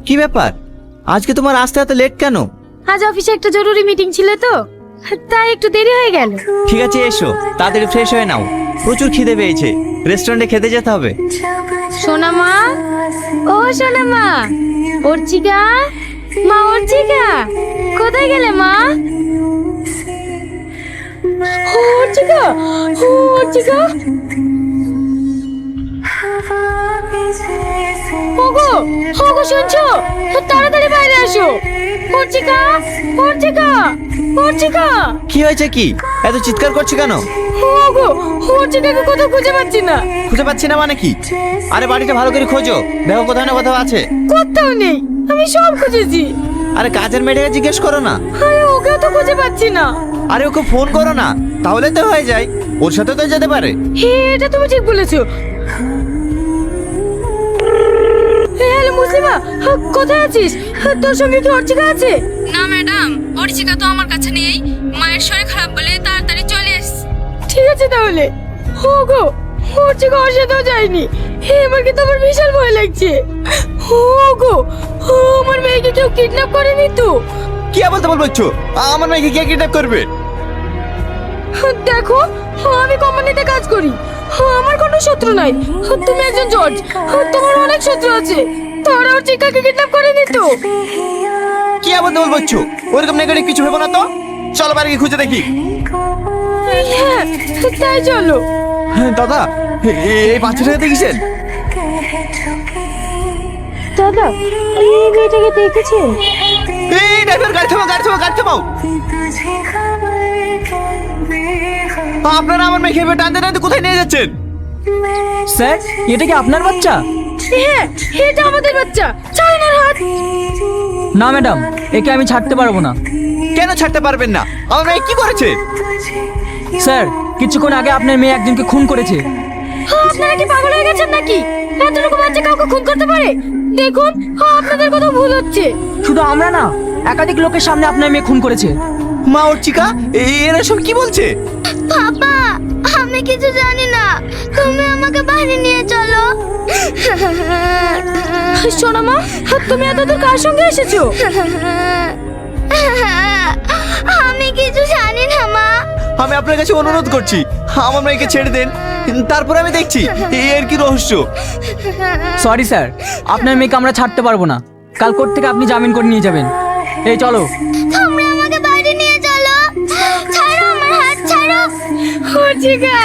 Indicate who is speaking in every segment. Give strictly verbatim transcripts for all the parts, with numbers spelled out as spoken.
Speaker 1: কি ব্যাপার, আজকে তোমার আসতে এত লেট কেন?
Speaker 2: আজ অফিসে একটা জরুরি মিটিং ছিল তো, তাই একটু দেরি হয়ে গেল।
Speaker 1: ঠিক আছে এসো, তাড়াতাড়ি ফ্রেশ হয়ে নাও, প্রচুর খিদে পেয়েছে, রেস্টুরেন্টে খেতে যেতে হবে।
Speaker 2: সোনা মা, ও সোনা মা, অর্চিকা, মা অর্চিকা, কোথায় গেলে মা? ও অর্চিকা, ও অর্চিকা, ওগো, ওগো শুনছো? তাড়াতাড়ি বাইরে আসো। অর্চিকা, অর্চিকা, অর্চিকা।
Speaker 1: কি হয়েছে, কি এত চিৎকার করছো কেন?
Speaker 2: ওগো, অর্চিকাকে কোথাও খুঁজে পাচ্ছি না।
Speaker 1: খুঁজে পাচ্ছি না মানে কি? আরে বাড়িটা ভালো করে খোঁজো, দেখো কোথাও না কোথাও আছে।
Speaker 2: কোথাও নেই, আমি সব খুঁজেছি।
Speaker 1: আরে কাজের মেয়েটাকে জিজ্ঞেস করো না।
Speaker 2: আরে ওকেও তো খুঁজে পাচ্ছি না।
Speaker 1: আরে ওকে ফোন করো না, তাহলে তো হয়ে যায়, ওর সাথে তো যেতে পারে।
Speaker 2: হে, এটা তুমি ঠিক বলেছো। হ্যালো মুসলিমা, কোথায় আছিস? তোর সঙ্গে কি অর্চিকা আছে?
Speaker 3: না ম্যাডাম, অর্চিকা তো আমার কাছে নেই, মায়ের শরীর খারাপ বলে তাড়াতাড়ি চলে এসেছি।
Speaker 2: ঠিক আছে তাহলে। ওগো, অর্চিকা ওর সাথেও যায়নি। হে, এবার কিন্তু আমার বিশাল ভয় লাগছে। ওগো, আমার মেয়েকে কেউ কিডন্যাপ করেনি তো?
Speaker 1: কি বলতে বলছো? আমার মেয়েকে কে কিডন্যাপ করবে?
Speaker 2: দেখো, আমি কোম্পানিতে কাজ করি, আমার কোনো শত্রু নাই। তুমি একজন জজ, তোমার অনেক শত্রু আছে, তারা অর্চিকাকে কিডন্যাপ করেনি তো?
Speaker 1: কি বলতে বলছো? ওরকম নেগেটিভ কিছু ভেবো না তো, চলো বাইরে গিয়ে খুঁজে দেখি।
Speaker 2: হ্যাঁ, তাই চলো।
Speaker 1: দাদা, এই বাচ্চাটাকে দেখেছেন?
Speaker 2: দাদা, এই মেয়েটাকে দেখেছেন?
Speaker 1: এই ড্রাইভার, গাড়ি থামাও, গাড়ি থামাও, গাড়ি থামাও। আপনারা আমার মেয়েকে এভাবে টানতে টানতে কোথায় নিয়ে যাচ্ছেন?
Speaker 4: স্যার, এটা কি আপনার বাচ্চা?
Speaker 2: হ্যাঁ, এটা আমাদের বাচ্চা। ছাড়ুন ওর হাত।
Speaker 4: না ম্যাডাম, একে আমি ছাড়তে পারবো না।
Speaker 1: কেন ছাড়তে পারবেন না? আমার মেয়ে কি করেছে?
Speaker 4: স্যার, কিছুক্ষণ আগে আপনার মেয়ে একজনকে খুন করেছে।
Speaker 2: আপনারা কি পাগল হয়ে গেছেন নাকি? এতটুকু বাচ্চা কাউকে খুন করতে পারে? দেখুন, আপনাদের কথা ভুল হচ্ছে।
Speaker 4: শুধু আমরা না, একাধিক লোকের সামনে আপনার মেয়ে খুন করেছে।
Speaker 1: মা অর্চিকা, এরা সব কি বলছে?
Speaker 5: বাবা, আমি কিছু জানি না, তুমি আমাকে বাড়ি নিয়ে চলো।
Speaker 2: শোনো মা, তুমি এতদূর কার সঙ্গে এসেছো?
Speaker 5: আমি কিছু জানি না মা।
Speaker 1: আমি আপনার কাছে অনুরোধ করছি, আমার মেয়েকে ছেড়ে দেন, তারপর আমি দেখছি এর কি রহস্য।
Speaker 4: সরি স্যার, আপনার মেয়েকে আমরা ছাড়তে পারবো না। কাল কোর্ট থেকে আপনি জামিন করে নিয়ে যাবেন। এই চলো।
Speaker 5: তোমরা আমাকে বাড়ি নিয়ে চলো। ছাড়ো আমার হাত, ছাড়ো।
Speaker 2: অর্চিকা,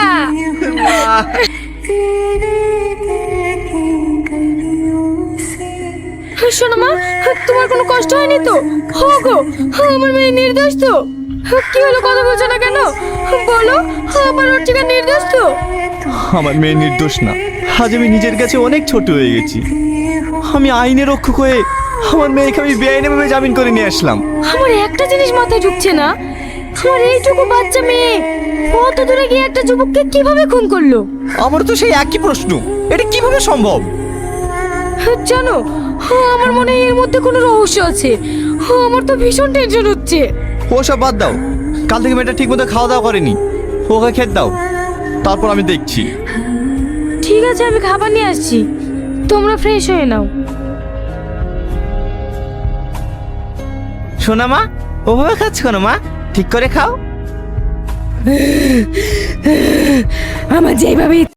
Speaker 2: শোনো মা, তোমার কোনো কষ্ট হয়নি তো? গো, আমার মেয়ে নির্দোষ তো? কি হলো, কথা বলছো না কেন? বলো, আমার অর্চিকা নির্দোষ তো?
Speaker 1: আমার মেয়ে নির্দোষ না, আজ আমি নিজের কাছে অনেক ছোট হয়ে গেছি। আমি আইনের রক্ষক হয়ে আমার মেয়েকে আমি বেআইনিভাবে জামিন করে নিয়ে আসলাম।
Speaker 2: আমার একটা জিনিস মাথায় ঢুকছে না, আমার এইটুকু বাচ্চা মেয়ে কত দূরে গিয়ে একটা যুবককে কিভাবে খুন করলো?
Speaker 1: আমার তো সেই একই প্রশ্ন, এটা কিভাবে সম্ভব?
Speaker 2: জানো, আমার মনে হয় এর মধ্যে কোনো রহস্য আছে। আমার তো ভীষণ টেনশন হচ্ছে।
Speaker 1: ওসব বাদ দাও, কাল থেকে মেয়েটা ঠিক মতো খাওয়া দাওয়া করেনি, ওকে খেতে দাও, তারপর আমি দেখছি।
Speaker 2: ঠিক আছে, আমি খাবার নিয়ে আসছি, তোমরা ফ্রেশ হয়ে নাও।
Speaker 1: শোনা মা, ওভাবে খাচ্ছ কেন মা? ঠিক করে খাও।
Speaker 2: আমার যেভাবে